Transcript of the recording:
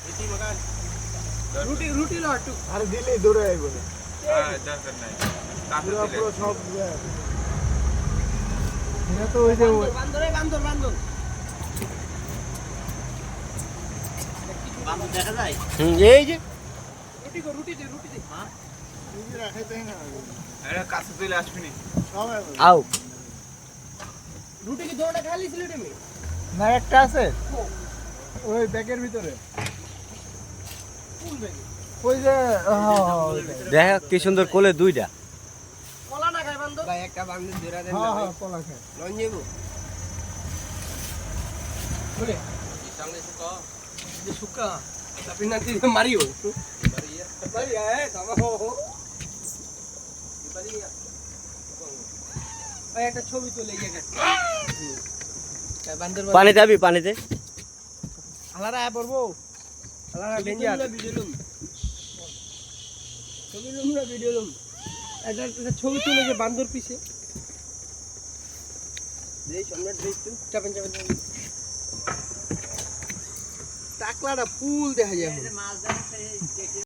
রুটি লটু আরে দিলেই দৌড়ে আইবো না। দরকার নাই পুরো সব এটা তো ওই যে বান্দর দেখা যায়। এই যে রুটি দে হ্যাঁ রুটি রাখাইতে না আরে কাছে চলে আসবি নি সব আও রুটি কি দোটা খালি ছিল তুমি না একটা আছে ওই ব্যাগের ভিতরে কোন ব্যাগে ওই যে দেখ কি সুন্দর কোলে দুইটা কলা না খাই বান্দর ভাই একটা বান্দর ধরে দেন হ্যাঁ হ্যাঁ কলা খায় লন যাবো বলে সামনে সুকা tapi nanti Mario Maria sama ho Maria ভাই একটা ছবি তুলে ইয়ে গেছে বান্দর পানিতে যাবি পানিতে আলারা আয় পড়বো আলারা ডেঞ্জার ভিডিও লুম ছবি লুম না ভিডিও লুম একটা ছবি তুলে যে বান্দর পিছে দেই সম্রাট দেই তুই চাপেন টাকলাটা ফুল দেখা যায়